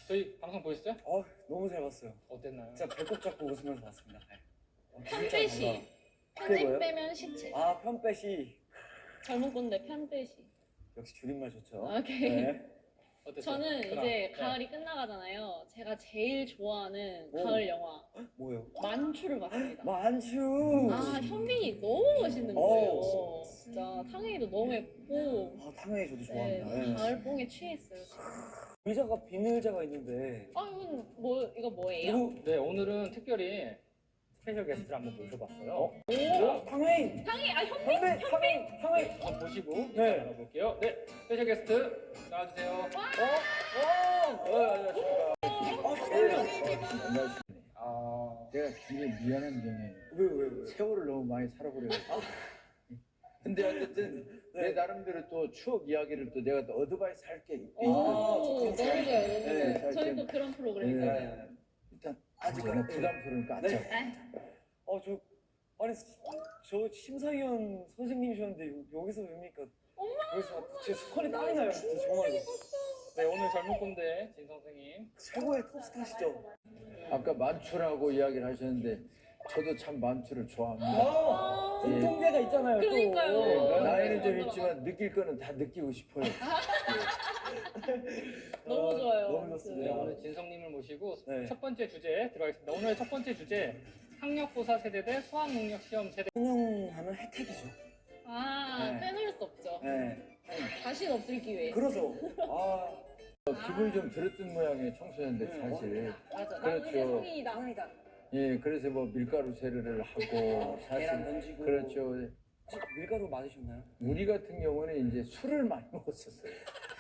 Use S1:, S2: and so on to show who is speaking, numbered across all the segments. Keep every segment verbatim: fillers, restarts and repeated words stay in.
S1: 저희 방송 보셨어요?
S2: 어, 너무 잘 봤어요.
S1: 어땠나요?
S2: 진짜 배꼽 잡고 웃으면서 봤습니다. 네. 어, 진짜
S3: 편빼시.
S2: 달라. 그게
S3: 편집
S2: 뭐예요?
S3: 빼면 시체.
S2: 아, 편빼시.
S3: 젊은 꼰대 편빼시.
S2: 역시 줄임말 좋죠.
S3: 오케이.
S2: 네.
S1: 어땠어요?
S3: 저는
S1: 그럼,
S3: 이제
S1: 네.
S3: 가을이 끝나가잖아요. 제가 제일 좋아하는
S2: 오.
S3: 가을 영화
S2: 뭐예요?
S3: 만추를 봤습니다.
S2: 만추.
S3: 아 현빈이 너무 멋있는 거예요.
S2: 오.
S3: 진짜 탕웨이도 너무 예쁘고.
S2: 아, 탕웨이 저도
S3: 네,
S2: 좋아합니다. 네.
S3: 가을뽕에 취했어요. 지금.
S2: 의자가 빈 의자가 있는데.
S3: 아 이건 뭐 이거 뭐예요?
S2: 누구?
S1: 네, 오늘은 특별히 스페셜 게스트를 한번 모셔봤어요.
S2: 어? 오, 탕웨이.
S3: 탕웨이 아 현빈.
S2: 현빈, 탕웨이, 탕웨이.
S1: 한번 보시고
S2: 네.
S1: 알아볼게요. 네, 스페셜 게스트 나와주세요.
S2: 어? 어? 어, 안녕하십니까. 어,
S4: 안녕하십니까.
S1: 아,
S4: 내가 굉장히 미안한 점이
S2: 왜, 왜, 왜?
S4: 세월을 너무 많이 살아버려가지고. 근데 어쨌든
S2: 네.
S4: 내 나름대로 또 추억 이야기를 또 내가 또 어드바이스 할 게 있거든.
S3: 오,
S2: 아,
S3: 너무
S2: 저
S3: 좋아요,
S2: 그런
S3: 너무
S4: 네,
S3: 좋아요. 저희
S4: 잘
S3: 또 그런 프로그램이잖아요.
S2: 네.
S4: 일단 아직 너무 부담스러우니까
S2: 네.
S4: 앉자.
S2: 어, 저, 아니, 저 심사위원 선생님이셨는데 여- 여기서 뵙니까. 그래서 제 스컬이 땀이 나요, 진짜 정말로.
S1: 네, 오늘 젊은 꼰대 진 선생님.
S2: 최고의 톱스타시죠.
S4: 아까 만추라고 이야기를 하셨는데 저도 참 만추를 좋아합니다.
S2: 아,
S4: 예.
S2: 공통계가 있잖아요. 또.
S3: 그러니까요.
S2: 네.
S4: 나이는 좀
S3: 맞아,
S4: 있지만 느낄 거는 다 느끼고 싶어요.
S3: 너무 좋아요.
S2: 너무
S1: 네,
S2: 좋습니다.
S1: 오늘 진성님을 모시고
S2: 네.
S1: 첫 번째 주제 들어가겠습니다. 오늘 첫 번째 주제 학력고사 세대 대 수학능력시험 세대.
S2: 성형하면 혜택이죠.
S3: 아
S2: 네.
S3: 빼놓을 수 없죠.
S2: 네.
S3: 다시는 없을 기회.
S2: 그러죠. 아,
S4: 어, 기분이 좀 들었던 모양의 청소년들 사실.
S3: 맞아. 나는 이제
S4: 그렇죠.
S3: 성인이다.
S2: 당연이다.
S4: 예, 그래서 뭐 밀가루 세례를 하고
S2: 계란
S4: 사실
S2: 던지고.
S4: 그렇죠.
S2: 밀가루 맞으셨나요?
S4: 우리 같은 경우는 이제 술을 많이 먹었었어요.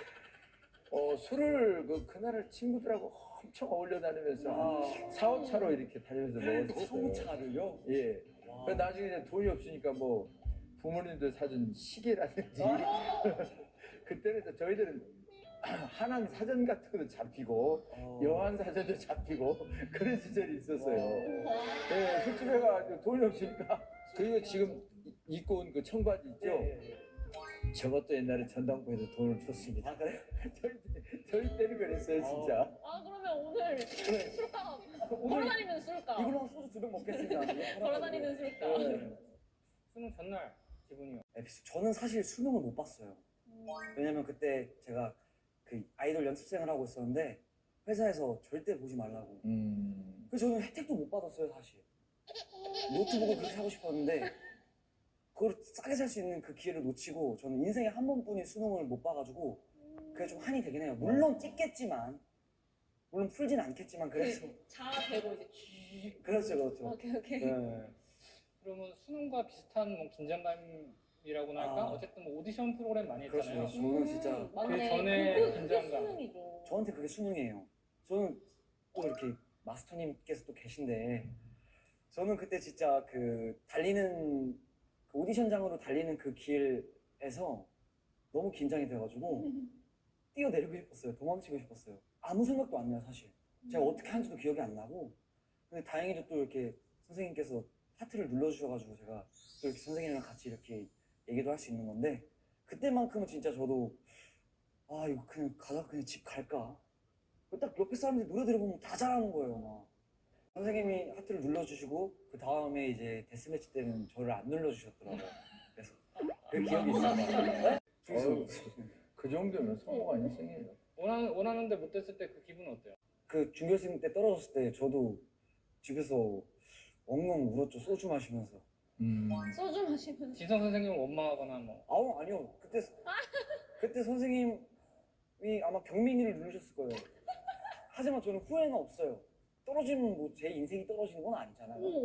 S4: 어, 술을 그 그날을 친구들하고 엄청 어울려 다니면서
S2: 아.
S4: 사오차로 이렇게 다니면서 먹었었어요.
S2: 사오차를요?
S4: 예.
S2: 와.
S4: 그 나중에 이제 돈이 없으니까 뭐 부모님들 사준 시계라든지 그때는 이제 저희들은 한한 사전 같은 것도 잡히고
S2: 어.
S4: 여한 사전도 잡히고 그런 시절이 있었어요.
S2: 와.
S4: 예, 술집에 가서 돈이 없으니까 그리고 지금 이- 입고 온 그 청바지 있죠?
S2: 예, 예.
S4: 저것도 옛날에 전당포에서 돈을 줬습니다.
S2: 아, 그래요?
S4: 저희, 저희 때는 그랬어요, 진짜.
S3: 아 그러면 오늘 술값 걸어다니는 술값.
S2: 이걸로 한 소주 두 병 먹겠습니다.
S3: 걸어다니는 술값.
S2: 네.
S1: 수능 전날 기분이요.
S2: 에피소드. 저는 사실 수능을 못 봤어요. 왜냐면 그때 제가 그 아이돌 연습생을 하고 있었는데 회사에서 절대 보지 말라고.
S4: 음.
S2: 그래서 저는 혜택도 못 받았어요, 사실. 노트북을 그렇게 사고 싶었는데 그걸 싸게 살 수 있는 그 기회를 놓치고 저는 인생에 한 번뿐인 수능을 못 봐가지고 그게 좀 한이 되긴 해요. 물론 찍겠지만 물론 풀진 않겠지만 그래서
S3: 자 대고 이제 쥐.
S2: 그렇죠, 그렇죠.
S3: 오케이 오케이.
S2: 네.
S1: 그러면 수능과 비슷한 뭐 긴장감이라고나 할까?
S2: 아.
S1: 어쨌든 뭐 오디션 프로그램 많이
S2: 그렇죠,
S1: 했잖아요.
S2: 그렇죠. 저는 진짜
S3: 음, 맞네.
S1: 그 전에
S3: 그거, 그게
S1: 긴장감.
S3: 수능이죠.
S2: 저한테 그게 수능이에요. 저는 또 이렇게 마스터님께서 또 계신데 저는 그때 진짜 그 달리는 그 오디션장으로 달리는 그 길에서 너무 긴장이 돼가지고 뛰어내리고 싶었어요. 도망치고 싶었어요. 아무 생각도 안 나요, 사실. 제가 어떻게 한지도 기억이 안 나고. 근데 다행히도 또 이렇게 선생님께서 하트를 눌러주셔가지고 제가 또 이렇게 선생님이랑 같이 이렇게 얘기도 할 수 있는 건데 그때만큼은 진짜 저도 아 이거 그냥 가다 그냥 집 갈까? 딱 옆에 사람들이 노래 들어보면 다 잘하는 거예요, 막. 선생님이 하트를 눌러주시고 그 다음에 이제 데스매치 때는 저를 안 눌러주셨더라고요. 그래서 그 기억이 있습니다. 네?
S4: 어휴, 그 정도면 성공한 인생이에요.
S1: 원하는, 원하는데 못 됐을 때 그 기분은 어때요?
S2: 그 중결승 때 떨어졌을 때 저도 집에서 엉엉 울었죠, 소주 마시면서.
S4: 음.
S3: 소주 마시면서.
S1: 진성 선생님을 원망하거나 뭐.
S2: 아우 아니요, 그때 그때 선생님이 아마 경민이를 누르셨을 거예요. 하지만 저는 후회는 없어요. 떨어지면 뭐 제 인생이 떨어지는 건 아니잖아요.